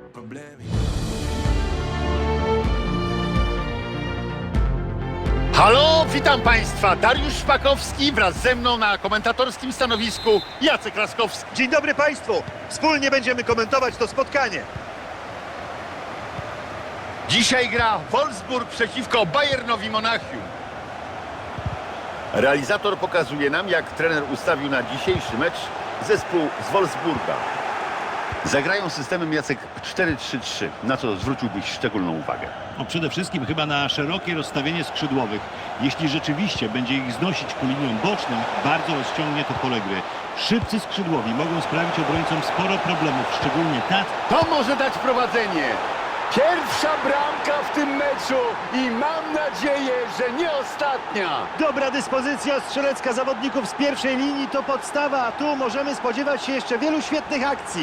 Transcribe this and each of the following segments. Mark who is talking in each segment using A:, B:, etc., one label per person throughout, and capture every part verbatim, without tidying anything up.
A: Halo, witam Państwa. Dariusz Szpakowski wraz ze mną na komentatorskim stanowisku Jacek Laskowski.
B: Dzień dobry Państwu. Wspólnie będziemy komentować to spotkanie.
A: Dzisiaj gra Wolfsburg przeciwko Bayernowi Monachium. Realizator pokazuje nam, jak trener ustawił na dzisiejszy mecz zespół z Wolfsburga. Zagrają systemem, Jacek, cztery trzy trzy, na co zwróciłbyś szczególną uwagę.
C: No przede wszystkim chyba na szerokie rozstawienie skrzydłowych. Jeśli rzeczywiście będzie ich znosić ku liniom bocznym, bardzo rozciągnie to pole gry. Szybcy skrzydłowi mogą sprawić obrońcom sporo problemów, szczególnie tacy.
A: To może dać prowadzenie. Pierwsza bramka w tym meczu i mam nadzieję, że nie ostatnia.
B: Dobra dyspozycja strzelecka zawodników z pierwszej linii to podstawa, a tu możemy spodziewać się jeszcze wielu świetnych akcji.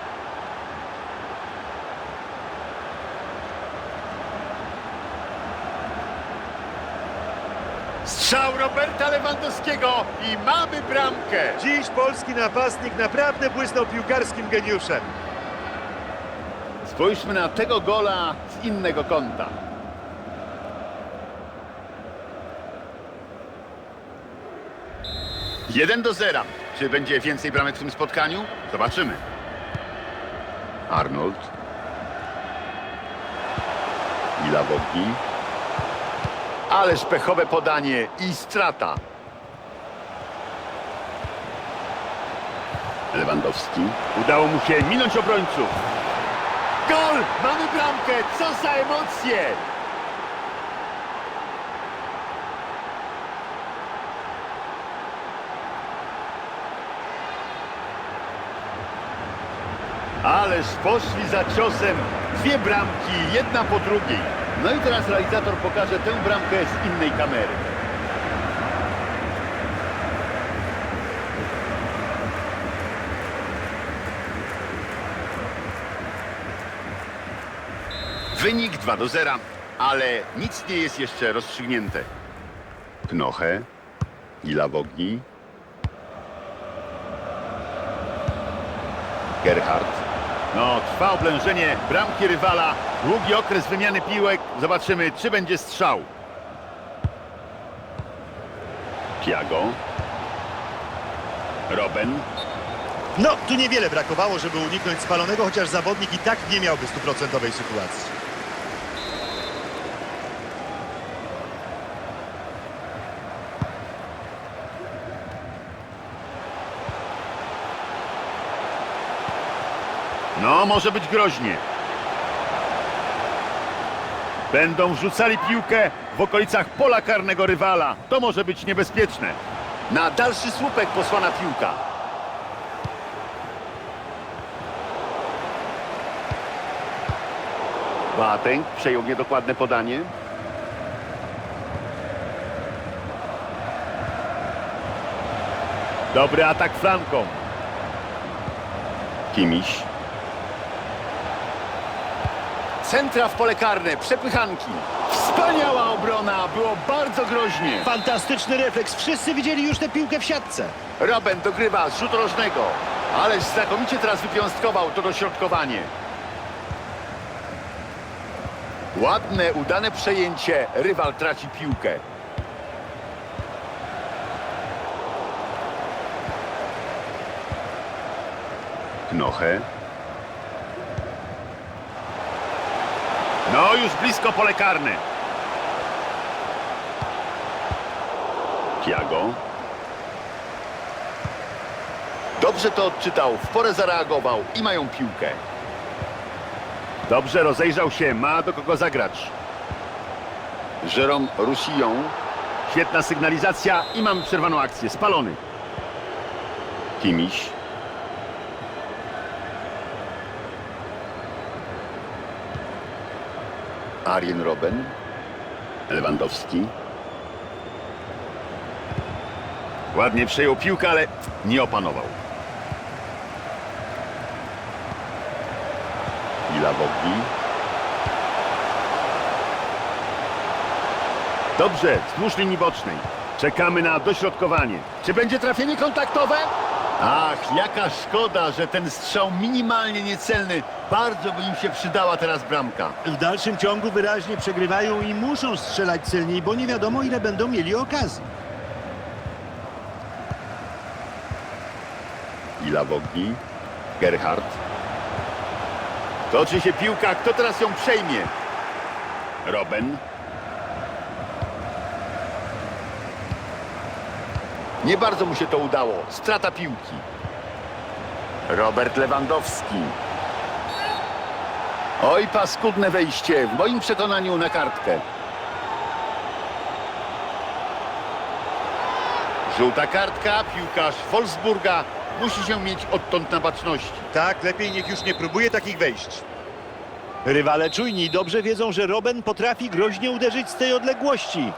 A: Strzał Roberta Lewandowskiego i mamy bramkę.
B: Dziś polski napastnik naprawdę błysnął piłkarskim geniuszem.
A: Spójrzmy na tego gola z innego kąta. jeden do zera. Czy będzie więcej bramek w tym spotkaniu? Zobaczymy. Arnold. Ilawoki. Ależ pechowe podanie i strata. Lewandowski. Udało mu się minąć obrońców. Gol! Mamy bramkę! Co za emocje! Ależ poszli za ciosem. Dwie bramki, jedna po drugiej. No i teraz realizator pokaże tę bramkę z innej kamery. Wynik dwa do zera, ale nic nie jest jeszcze rozstrzygnięte. Knoche, Ilawogi, Gerhardt. No, trwa oblężenie bramki rywala. Długi okres wymiany piłek. Zobaczymy, czy będzie strzał. Thiago. Robben.
B: No, tu niewiele brakowało, żeby uniknąć spalonego, chociaż zawodnik i tak nie miałby stuprocentowej sytuacji.
A: No, może być groźnie. Będą wrzucali piłkę w okolicach pola karnego rywala. To może być niebezpieczne. Na dalszy słupek posłana piłka. Boateng przejął niedokładne podanie. Dobry atak flanką. Kimiś. Centra w pole karne, przepychanki. Wspaniała obrona, było bardzo groźnie.
B: Fantastyczny refleks, wszyscy widzieli już tę piłkę w siatce.
A: Robben dogrywa z rzutu rożnego. Ależ znakomicie teraz wypiąstkował to dośrodkowanie. Ładne, udane przejęcie. Rywal traci piłkę. Knoche. No, już blisko pole karne. Thiago. Dobrze to odczytał, w porę zareagował i mają piłkę. Dobrze, rozejrzał się, ma do kogo zagrać. Jérôme Roussillon. Świetna sygnalizacja i mamy przerwaną akcję. Spalony. Kimiś. Arjen Robben. Lewandowski. Ładnie przejął piłkę, ale nie opanował. Ilawogi. Dobrze, wzdłuż linii bocznej. Czekamy na dośrodkowanie. Czy będzie trafienie kontaktowe? Ach, jaka szkoda, że ten strzał minimalnie niecelny. Bardzo by im się przydała teraz bramka.
B: W dalszym ciągu wyraźnie przegrywają i muszą strzelać celniej, bo nie wiadomo, ile będą mieli okazji.
A: Ila Bogni, Gerhard. Toczy się piłka, kto teraz ją przejmie? Robben. Nie bardzo mu się to udało. Strata piłki. Robert Lewandowski. Oj, paskudne wejście. W moim przekonaniu na kartkę. Żółta kartka. Piłkarz Wolfsburga musi się mieć odtąd na baczności.
B: Tak, lepiej niech już nie próbuje takich wejść. Rywale czujni i dobrze wiedzą, że Robben potrafi groźnie uderzyć z tej odległości.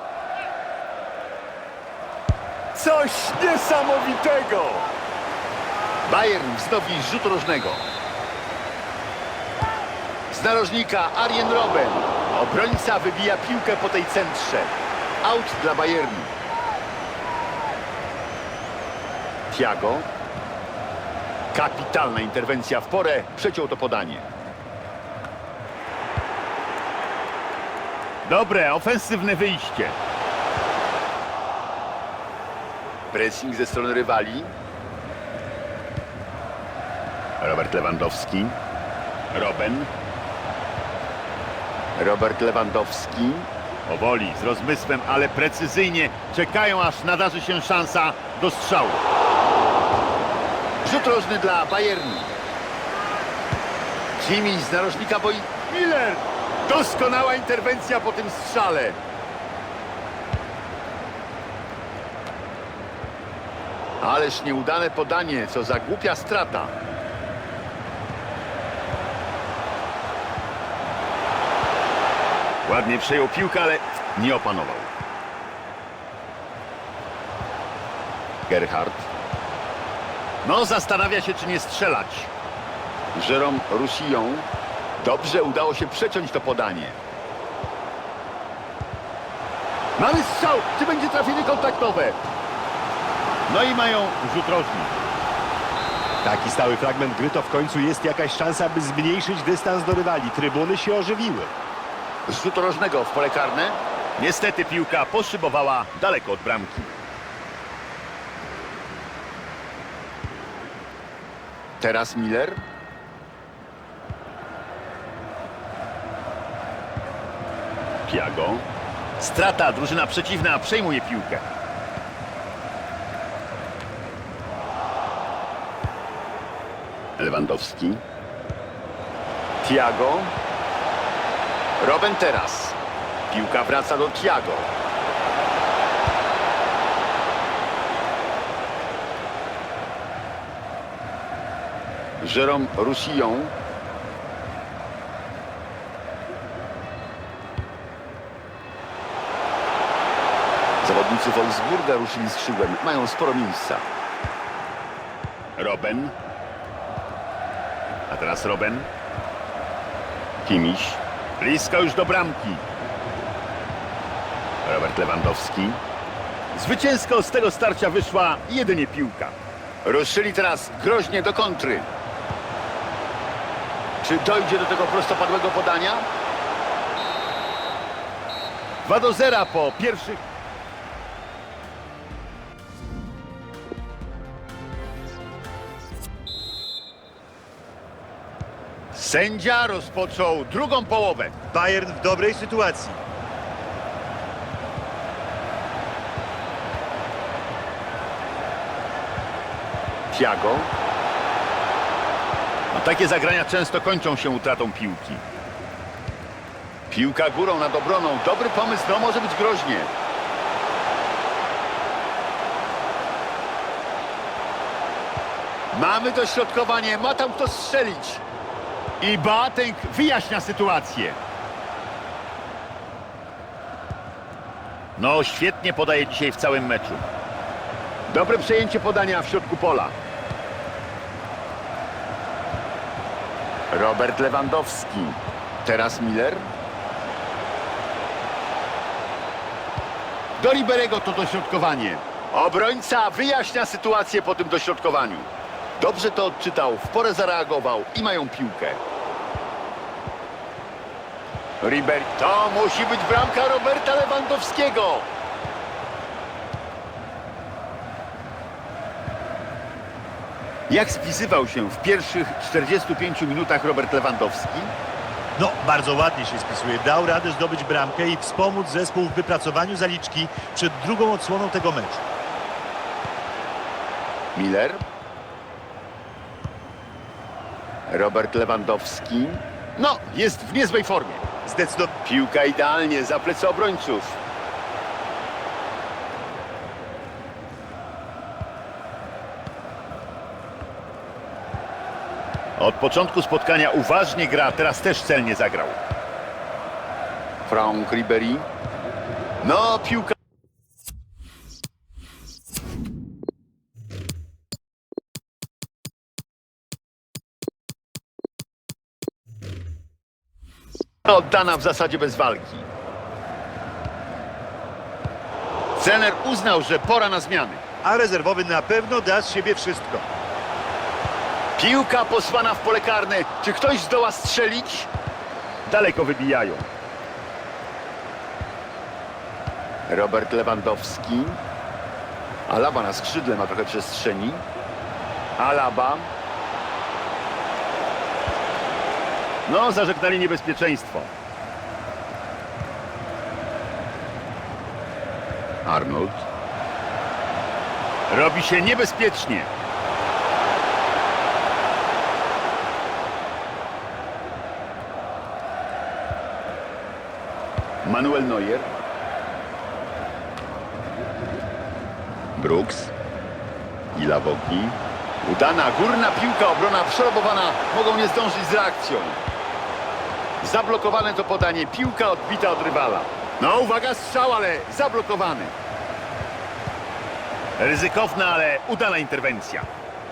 A: Coś niesamowitego! Bayern wznowi rzut rożnego. Z narożnika Arjen Robben. Obrońca wybija piłkę po tej centrze. Out dla Bayernu. Thiago. Kapitalna interwencja w porę. Przeciął to podanie. Dobre, ofensywne wyjście. Pressing ze strony rywali. Robert Lewandowski. Robben. Robert Lewandowski. Powoli, z rozmysłem, ale precyzyjnie. Czekają, aż nadarzy się szansa do strzału. Rzut rożny dla Bayernu. Jimmy z narożnika boi. Miller! Doskonała interwencja po tym strzale. Ależ nieudane podanie, co za głupia strata. Ładnie przejął piłkę, ale nie opanował. Gerhard. No, zastanawia się, czy nie strzelać. Jérôme Roussillon. Dobrze udało się przeciąć to podanie. Mamy strzał! Czy będzie trafienie kontaktowe? No i mają rzut rożny.
B: Taki stały fragment gry to w końcu jest jakaś szansa, by zmniejszyć dystans do rywali. Trybuny się ożywiły.
A: Z rzutu rożnego w pole karne. Niestety piłka poszybowała daleko od bramki. Teraz Miller. Thiago. Strata, drużyna przeciwna przejmuje piłkę. Lewandowski. Thiago. Robben teraz. Piłka wraca do Thiago. Jérôme Roussillon. Zawodnicy Wolfsburga ruszyli skrzydłem. Mają sporo miejsca. Robben. A teraz Robben. Kimmich. Blisko już do bramki. Robert Lewandowski. Zwycięsko z tego starcia wyszła jedynie piłka. Ruszyli teraz groźnie do kontry. Czy dojdzie do tego prostopadłego podania? dwa do zera po pierwszych... Sędzia rozpoczął drugą połowę.
B: Bayern w dobrej sytuacji.
A: Thiago. No, takie zagrania często kończą się utratą piłki. Piłka górą nad obroną. Dobry pomysł, no może być groźnie. Mamy dośrodkowanie, ma tam kto strzelić. I Boateng wyjaśnia sytuację. No, świetnie podaje dzisiaj w całym meczu. Dobre przejęcie podania w środku pola. Robert Lewandowski. Teraz Miller. Do Riberego to dośrodkowanie. Obrońca wyjaśnia sytuację po tym dośrodkowaniu. Dobrze to odczytał, w porę zareagował i mają piłkę. Ribery. To musi być bramka Roberta Lewandowskiego. Jak spisywał się w pierwszych czterdziestu pięciu minutach Robert Lewandowski?
B: No, bardzo ładnie się spisuje. Dał radę zdobyć bramkę i wspomóc zespół w wypracowaniu zaliczki przed drugą odsłoną tego meczu.
A: Miller. Robert Lewandowski. No, jest w niezłej formie.
B: Zdecydowanie.
A: Piłka idealnie za plecy obrońców. Od początku spotkania uważnie gra, teraz też celnie zagrał. Franck Ribery. No, piłka. Oddana w zasadzie bez walki. Trener uznał, że pora na zmiany.
B: A rezerwowy na pewno da z siebie wszystko.
A: Piłka posłana w pole karne. Czy ktoś zdoła strzelić? Daleko wybijają. Robert Lewandowski. Alaba na skrzydle ma trochę przestrzeni. Alaba. No, zażegnali niebezpieczeństwo. Arnold. Robi się niebezpiecznie. Manuel Neuer. Brooks. I Lawoki. Udana górna piłka, obrona przerobowana. Mogą nie zdążyć z reakcją. Zablokowane to podanie. Piłka odbita od rywala. No uwaga, strzał, ale zablokowany. Ryzykowna, ale udana interwencja.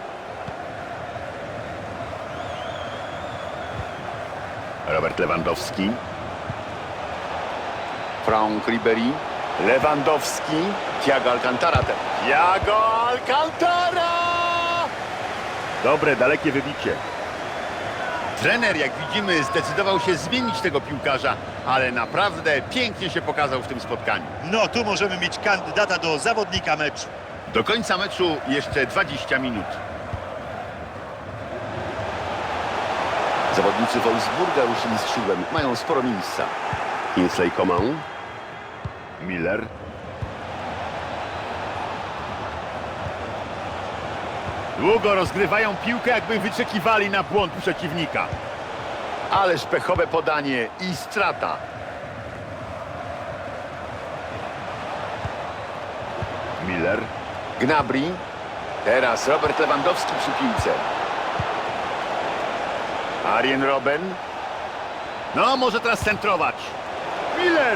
A: Robert Lewandowski. Franck Ribery. Lewandowski. Thiago Alcantara. Thiago Alcantara! Dobre, dalekie wybicie. Trener, jak widzimy, zdecydował się zmienić tego piłkarza, ale naprawdę pięknie się pokazał w tym spotkaniu.
B: No, tu możemy mieć kandydata do zawodnika meczu.
A: Do końca meczu jeszcze dwadzieścia minut. Zawodnicy Wolfsburga ruszyli skrzydłem. Mają sporo miejsca. Kingsley Coman. Miller. Długo rozgrywają piłkę, jakby wyczekiwali na błąd przeciwnika. Ależ pechowe podanie i strata. Miller. Gnabry. Teraz Robert Lewandowski przy piłce. Arjen Robben. No, może teraz centrować. Miller.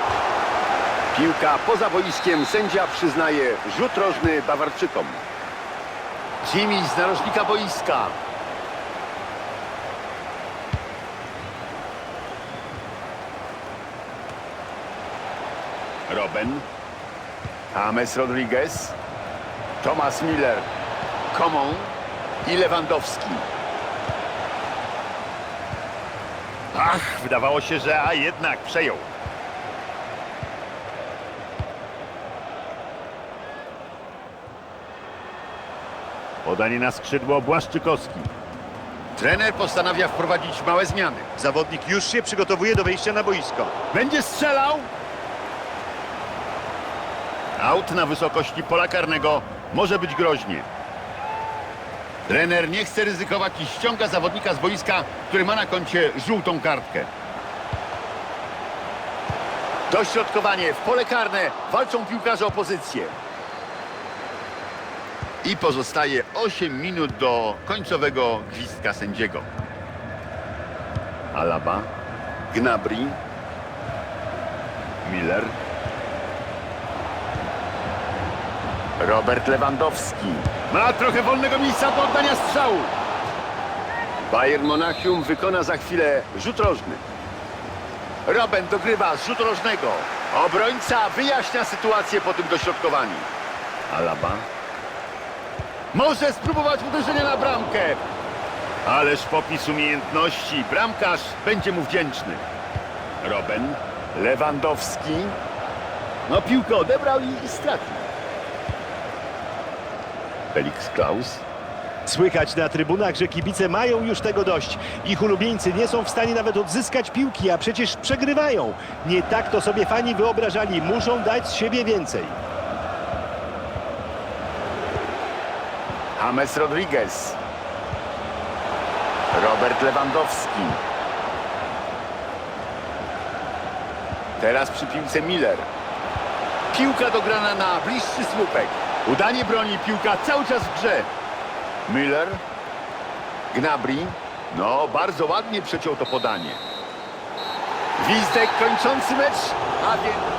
A: Piłka poza boiskiem. Sędzia przyznaje rzut rożny Bawarczykom. Jimmy z narożnika boiska. Robben. James Rodriguez. Thomas Miller. Coman i Lewandowski. Ach, wydawało się, że a jednak przejął. Podanie na skrzydło Błaszczykowski. Trener postanawia wprowadzić małe zmiany.
B: Zawodnik już się przygotowuje do wejścia na boisko.
A: Będzie strzelał. Aut na wysokości pola karnego może być groźnie. Trener nie chce ryzykować i ściąga zawodnika z boiska, który ma na koncie żółtą kartkę. Dośrodkowanie w pole karne. Walczą piłkarze o pozycję. I pozostaje osiem minut do końcowego gwizdka sędziego. Alaba. Gnabry. Miller. Robert Lewandowski. Ma trochę wolnego miejsca do oddania strzału. Bayern Monachium wykona za chwilę rzut rożny. Robben dogrywa z rzutu rożnego. Obrońca wyjaśnia sytuację po tym dośrodkowaniu. Alaba. Może spróbować uderzenia na bramkę. Ależ popis umiejętności. Bramkarz będzie mu wdzięczny. Robben. Lewandowski. No piłkę odebrał i stracił. Felix Klaus.
B: Słychać na trybunach, że kibice mają już tego dość. Ich ulubieńcy nie są w stanie nawet odzyskać piłki, a przecież przegrywają. Nie tak to sobie fani wyobrażali. Muszą dać z siebie więcej.
A: James Rodriguez. Robert Lewandowski. Teraz przy piłce Miller. Piłka dograna na bliższy słupek. Udanie broni, piłka cały czas w grze. Miller. Gnabry. No, bardzo ładnie przeciął to podanie. Gwizdek kończący mecz, a więc...